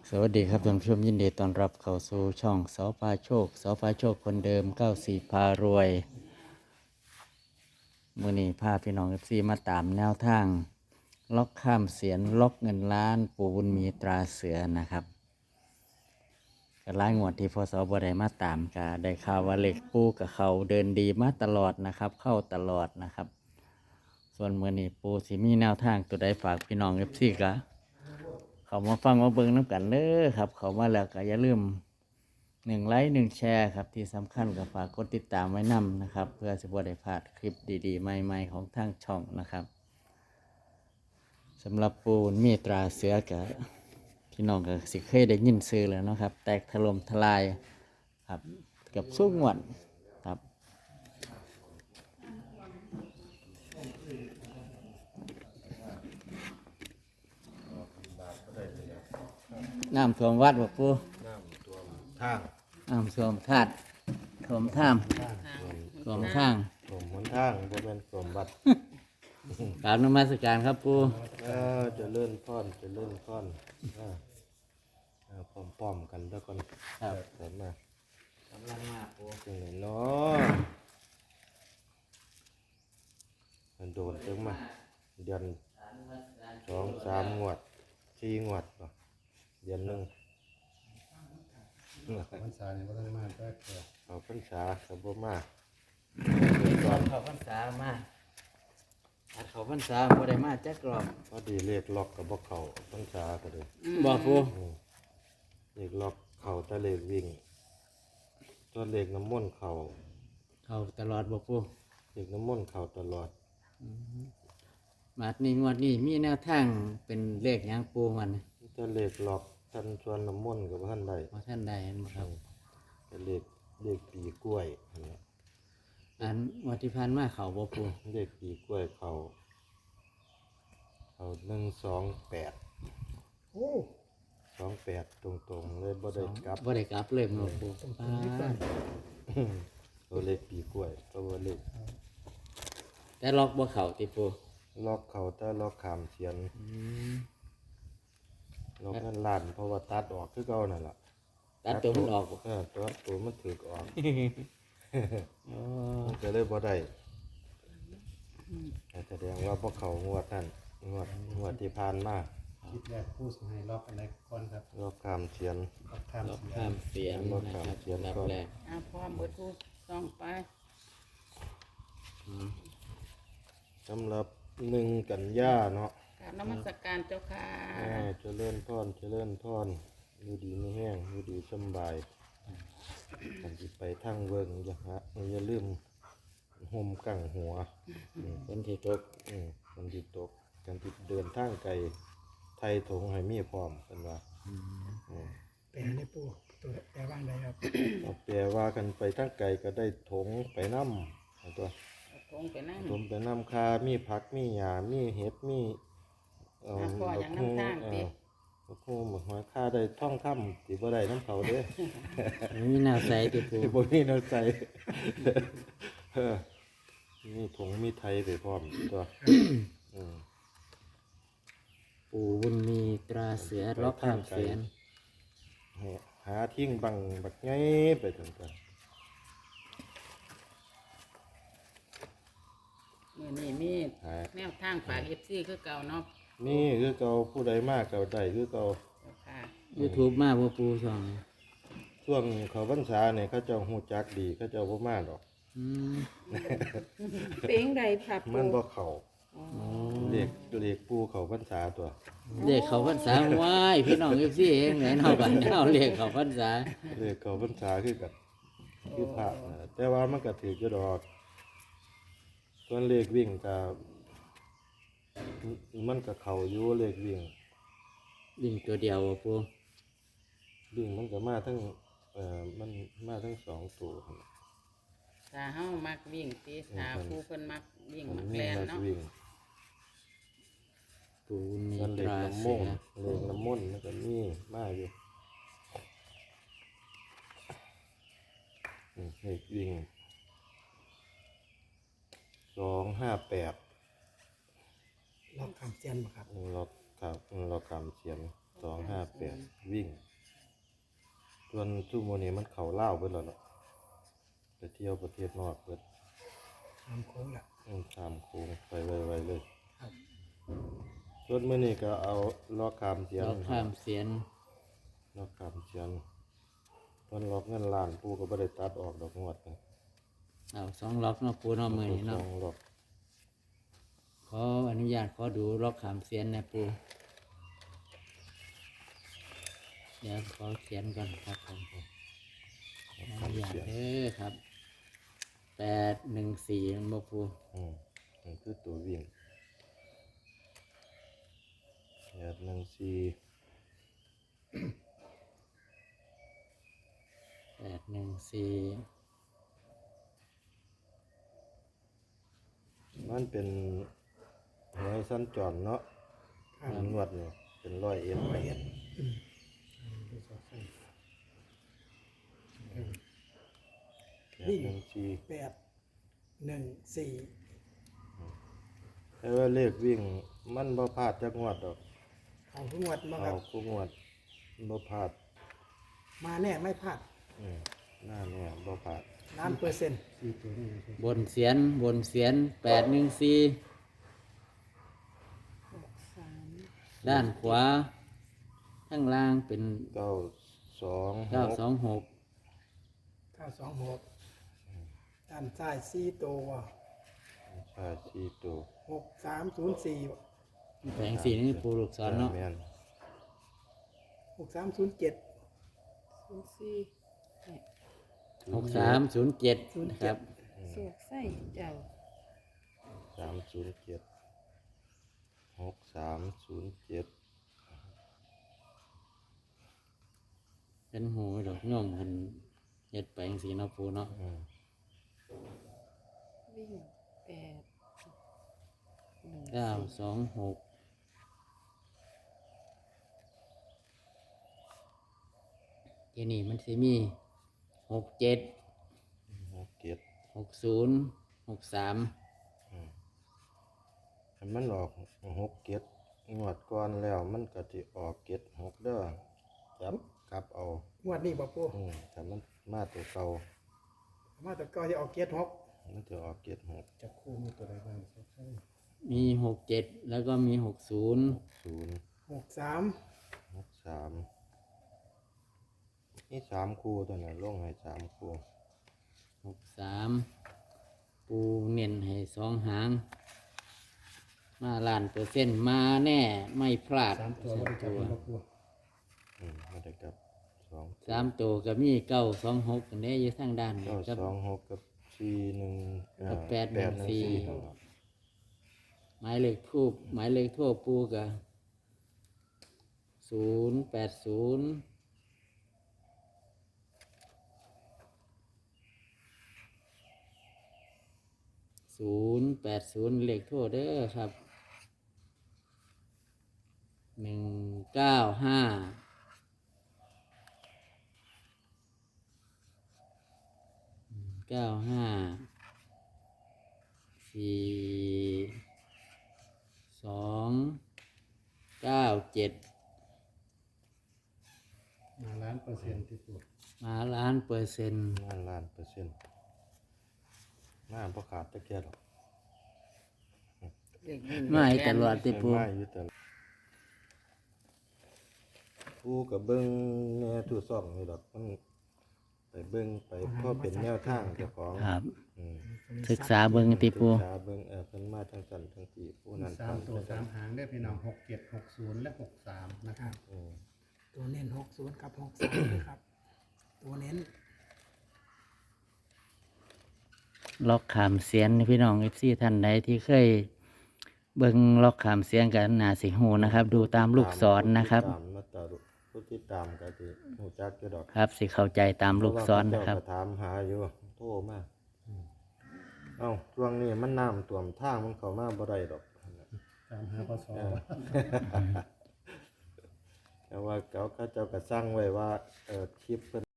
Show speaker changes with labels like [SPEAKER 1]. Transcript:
[SPEAKER 1] สวัสดีครับท่านผู้ชมยินดีต้อนรับเข้าสู่ช่องสอพาโชคสอพาโชคคนเดิม94พารวยมื้อนี้พาพี่น้องFCมาตามแนวทางล็อกข้ามเสียนล็อกเงินล้านปู่บุญมีตราเสือนะครับก็หลายงวดที่พศบ่ได้มาตามก็ได้ข่าวว่าเลขปู่กับเขาเดินดีมาตลอดนะครับเข้าตลอดนะครับส่วนมื้อนี้ปู่สิมีแนวทางตัวใดฝากพี่น้อง FC ก็เขามาฟังมาเบิ่งน้ำกันเด้อครับเขามาแล้วก็อย่าลืม1 ไลค์ 1 แชร์ครับที่สำคัญก็ฝากกดติดตามไว้นำนะครับเพื่อจะบ่ได้พลาดคลิปดีๆใหม่ๆของทางช่องนะครับสำหรับปูนมีตราเสือกับพี่น้องก็สิเคยได้ยินซื้อแล้วนะครับแตกถล่มทลายครับกับสู้งวดครับน้ำท่วมวัดบ่ปู
[SPEAKER 2] น้ำท่วมทาง
[SPEAKER 1] น้ำท่วมธาตุท่วมท่ามท่วมทาง
[SPEAKER 2] ท่วมหนทางบ่แม่นท่วมบัด
[SPEAKER 1] กราบนมัสการครับปู
[SPEAKER 2] เจะเลื่อนพรจะเลื่อนพรป้อมๆกันแล้วก่อน
[SPEAKER 1] ครับ
[SPEAKER 2] เสร็จมาก
[SPEAKER 1] ำลังมาปู
[SPEAKER 2] จังไหนเนาะมันโดนจังมาเดือน2-3 งวด 4 งวดบ่เดือนหนึง
[SPEAKER 3] พรรษาเนี่ยก็ต้องมาแป๊บเดียว
[SPEAKER 2] เอาพรรษาก็บ่มา
[SPEAKER 1] ก่อนเขาพรรษามาอัดเขาพรรษาบ่ได้มาจักรอบ
[SPEAKER 2] พอดีเลขล็อกก็บ่เข้าพรรษาก็เลย
[SPEAKER 1] บ่ปู
[SPEAKER 2] เลขล็อกเข้าแต่เลขวิ่งตัวเลขน้ำมนต์เข้า
[SPEAKER 1] เขาตลอดบ่ปู
[SPEAKER 2] เลขน้ำมนต์เข้าตลอด
[SPEAKER 1] มาดนี้งวดนี้มีแนวทางเป็นเลขหยังปูมัน
[SPEAKER 2] ถ้าเลขหลอกท่านชวนน้ำมนต์กับท่านใด
[SPEAKER 1] บ่ท่านใดเห็นบ่ครับ
[SPEAKER 2] เป็นเลขปีกล้วยนั่นแหละ
[SPEAKER 1] อันงวดที่ผ่านมาเขาบ่ปู
[SPEAKER 2] เลขปีกล้วยเขา128
[SPEAKER 3] โอ้
[SPEAKER 2] 28 ตรงๆเลยบ่ได้กลับ
[SPEAKER 1] บ่ได้กลับเลยบ่ปูป้าด
[SPEAKER 2] ตัวเลขปีกล้วยตัวเลข
[SPEAKER 1] แต่ล็อกบ่เข้าติปู
[SPEAKER 2] ล็อกเขาแต่ล็อกขามเสียน
[SPEAKER 1] อืม
[SPEAKER 2] ล็อกนั่นล้านเพราะว่าตัดออกคือเก่านั่นล่ะ
[SPEAKER 1] ตัดตัวมันออกบ่
[SPEAKER 2] ตัวมันถูกออก
[SPEAKER 1] อ๋อ
[SPEAKER 2] มันก็เลยบ่ได้แสดงว่าพวกเขางวดนั่นงวดที่ผ่านมา
[SPEAKER 3] คิดแรกพูดให้ล็อกอะไรก่อนครับ
[SPEAKER 2] ล็อกขามเสียน
[SPEAKER 3] ล็อกข้าม
[SPEAKER 1] ล็อก
[SPEAKER 3] เสีย
[SPEAKER 1] ข้ามเสียงนะครับอันดับแรก
[SPEAKER 4] พร้อมเบิดผู้ต้องไป
[SPEAKER 2] สำหรับ1 กันยาเนาะ
[SPEAKER 4] กราบนมัสการเจ้าค่ะ
[SPEAKER 2] เจริญพรอยู่ดีไม่แห้งอยู่ดีสำบายกันสิไปทางเวิงอย่าลืมห่มกังหัว
[SPEAKER 1] คนที่ตก
[SPEAKER 2] กันสิตกกันสิเดินทางไกลไทยถงให้มีพร้อมกันว่า
[SPEAKER 3] เป็นในปูตัวแปลว่าอะไรครับ
[SPEAKER 2] เอาแปลว่ากันไปทางไกลก็ได้ถงไปนำตัว
[SPEAKER 4] คงไปนั่ง
[SPEAKER 2] ถมไปนำคามีผักมีหญ้ามีเห็ดมีเอ่อ
[SPEAKER 4] พ่ออย่างน้ำทางติ
[SPEAKER 2] โอ้โหหมกหัวค่าได้ท่องคำสิบ่ได้น้ำเขาเด้
[SPEAKER 1] มีแนวใสติปู
[SPEAKER 2] บ่มีน้ำใจเออมีถงมีไทยไปพร้อมตัวอืม
[SPEAKER 1] ปู่บุญมีตราเสือล็อกข้ามเสียง
[SPEAKER 2] หาทิ้งบังบักไงไปถึงกัน
[SPEAKER 4] มื้อนี้มี
[SPEAKER 2] หา
[SPEAKER 4] แนวทางฝาก FC คือเก่าเนาะ
[SPEAKER 2] นี่คือเก่าผู้ใดมากเก่าใดคือเก่า
[SPEAKER 4] เจ้าค่ะ
[SPEAKER 1] YouTube มาบ่ปูช่องนี้
[SPEAKER 2] ช่วงเขาพรรษาเนี่ยเขาเจ้าฮู้จักดีเขาเจ้าบ่มาดอก
[SPEAKER 1] อืม
[SPEAKER 4] เป็นใดค่ะ
[SPEAKER 2] มัน
[SPEAKER 4] ปู่
[SPEAKER 2] บ่เข้าเด็กปูเขาพรรษาตัว
[SPEAKER 1] เรียกเขาพรรษาว้ายพี่น้อง FC เองไหนเนาะบัดนี้เอาเรียกเขาพรรษา
[SPEAKER 2] เด็กเขาพรรษาคือกันคือพระนะแต่ว่ามันก็ถืออยู่ดอกส่วนเลขวิ่งก็มันก็เข้าอยู่เลขวิ่ง
[SPEAKER 1] วิ่งตัวเดียวบ่ปู
[SPEAKER 2] วิ่งมันก็มาทั้งมันมาทั้ง2 ตัวหั่น
[SPEAKER 4] ถ้าเฮามักวิ่งติถ้าผู้เพิ่นมักวิ่ง
[SPEAKER 2] มัน
[SPEAKER 4] มัก
[SPEAKER 2] มี
[SPEAKER 4] แล่น
[SPEAKER 2] มา
[SPEAKER 4] เนาะ
[SPEAKER 2] วิ่ง
[SPEAKER 1] ปู่บุญมี
[SPEAKER 2] ส่วนเล
[SPEAKER 1] ต
[SPEAKER 2] ข
[SPEAKER 1] รา
[SPEAKER 2] น้ำม
[SPEAKER 1] เสื
[SPEAKER 2] น
[SPEAKER 1] อ
[SPEAKER 2] ต์เลขน้ำมนต์มันก็มีมาอยู่เลขวิ่ง258
[SPEAKER 3] ล็อกข้ามเสียนบ่ครับ
[SPEAKER 2] เราครับเราคำเขียน258 58วิ่งส่วนซุมื้อนี้มันเข้าลาวเบิดแล้วเนาะไปเที่ยวประเทศนอกเบิด
[SPEAKER 3] ทำโค้งละ
[SPEAKER 2] ข้ามโค้งไปไวๆเลย
[SPEAKER 3] ครับ
[SPEAKER 2] ส่วนมื้อนี้ก็เอาล็อกขามเสียน
[SPEAKER 1] ล็อกข้ามเสียน
[SPEAKER 2] ล็อกขามเสียนเพิ่นล็อกเงินล้านปู่ก็บ่ได้ตัดออกดอกงวดนะ
[SPEAKER 1] เอา2ล็อกเนาะปูเนาะมื้อนี้
[SPEAKER 2] ส
[SPEAKER 1] เนาะ
[SPEAKER 2] องล็อก
[SPEAKER 1] ขออนุญาตขอดูล็อกข้ามเสียนนะปูเดี๋ยวขอเขียนก่อนครับผม
[SPEAKER 2] ล็อก
[SPEAKER 1] อ
[SPEAKER 2] ขา
[SPEAKER 1] นุ
[SPEAKER 2] ม
[SPEAKER 1] ญาต
[SPEAKER 2] เสียน
[SPEAKER 1] เด้อครับ814มันบ่ปู
[SPEAKER 2] มันคือตัววิ่ง814
[SPEAKER 1] 814
[SPEAKER 2] มันเป็นหวยสั้นจรเนาะ
[SPEAKER 3] ครับ
[SPEAKER 2] นวดนี่เป็นร้อยเอ็ดไป
[SPEAKER 3] ดูสอดใส่
[SPEAKER 2] 814
[SPEAKER 3] 814
[SPEAKER 2] แต่ว่าเลขวิ่งมันบ่พลาดจักงวดดอก
[SPEAKER 3] เอาทุกงวดมาค
[SPEAKER 2] เอา
[SPEAKER 3] รับ
[SPEAKER 2] ทุกงวดมันบ่พลาด
[SPEAKER 3] มาแน่ไม่พลาด
[SPEAKER 2] หน้าเนี่ยบ่พลาด
[SPEAKER 3] 1,000%
[SPEAKER 1] บนเสียน814ด้านขวาข้างล่างเป็น
[SPEAKER 2] 926
[SPEAKER 1] 926
[SPEAKER 3] 926ด้านซ้าย4ตัว
[SPEAKER 2] ใช่สี่ตัว
[SPEAKER 3] 6304
[SPEAKER 1] แผงสีนี่ปูลูกศรเนาะ
[SPEAKER 2] แม่น
[SPEAKER 3] 6307
[SPEAKER 1] 6307นะครับ
[SPEAKER 4] สวกใส่เจ้า
[SPEAKER 2] 307 6307
[SPEAKER 1] เป็นหูดอกย่อมหันเฮ็ดไปจังซี่เนาะปูเนาะ
[SPEAKER 4] วิ่ง8
[SPEAKER 1] 926ทีนี้มันสิมี67
[SPEAKER 2] 67
[SPEAKER 1] 60 63
[SPEAKER 2] ถ้ามันออก67งวดก่อนแล้วมันก็สิออก76เด้อจับกลับเอา
[SPEAKER 3] งวดนี้บ่ปู
[SPEAKER 2] ถ้ามันมาตัวเก่า
[SPEAKER 3] มาแต่ก็ที่ออกเกียร6
[SPEAKER 2] มันจะออก76
[SPEAKER 3] จับคู่มีตัวใดบ้างสอดใส่
[SPEAKER 1] มี67แล้วก็มี60
[SPEAKER 2] 0
[SPEAKER 3] 63
[SPEAKER 2] 63นี่3คู่ตัวน่ะลงให้3คู่
[SPEAKER 1] 63ปูเน้นให้2หาง มาล้านเปอร์เซ็นต์มาแน่ไม่พลาด
[SPEAKER 3] 3ตัวบ่ได้จับเป็นบ่ปู
[SPEAKER 2] ไม่ได้กับ2
[SPEAKER 1] 3ตัวก็มี926กันได้อยู่ทางด้านนี้ครับ
[SPEAKER 2] 926กับ41
[SPEAKER 1] กับ814
[SPEAKER 2] 814
[SPEAKER 1] หมายเลขทูบหมายเลขทั่วปูกับ080 080เลขทั่วเด้อครับ195 4 2 97
[SPEAKER 3] มาล้านเปอร์เซ็นต์ที่ปู
[SPEAKER 1] มาล้านเปอร์เซ็นต์
[SPEAKER 2] ล้านล้านเปอร์เซ็นต์น้าบ่ขาดตะเกียบหรอก
[SPEAKER 4] เด็กวิ่ง
[SPEAKER 1] ไม่ตลอดติปู
[SPEAKER 2] ไม่อยู่แต่ผู้กับเบิ้งแน่ทุกซ่องนี่ดอกมันไปเบิ้งไปเพราะเป็นแนวทางเจ้าของ
[SPEAKER 1] ครับ
[SPEAKER 2] อืม
[SPEAKER 1] ศึกษาเบิ่งติปู
[SPEAKER 2] ศึกษาเบิ้งเพิ่นมาทั้งสันทั้งสี่ผู้นั้น
[SPEAKER 3] 3ตัว3หางได้พี่น้อง6760และ63นะครับ
[SPEAKER 2] อืม
[SPEAKER 3] ตัวเน้น60กับ63นะครับ ตัวเน้น
[SPEAKER 1] ล็อกขามเสียนพี่น้อง FC ท่านใดที่เคยเบิ่งล็อกขามเสียนกันน่าสิฮู้นะครับ ดูตามลูกศรนะครับ
[SPEAKER 2] ตามมาตราผู้ที่ตามก็สิฮู้จักอยู่ดอก
[SPEAKER 1] ครับสิเข้าใจตามลูกศรนะครับ
[SPEAKER 2] เพาว่าเขาเจ้าก็ถามหาอยู่โทรมาเอ้าช่วงนี้มันน้ำท่วมทางมันเข้ามาบ่ได้ดอก
[SPEAKER 3] 3หาพศ
[SPEAKER 2] แต่ว่าเขาเจ้าก็สร้างไว้ว่าคลิปเพิ่น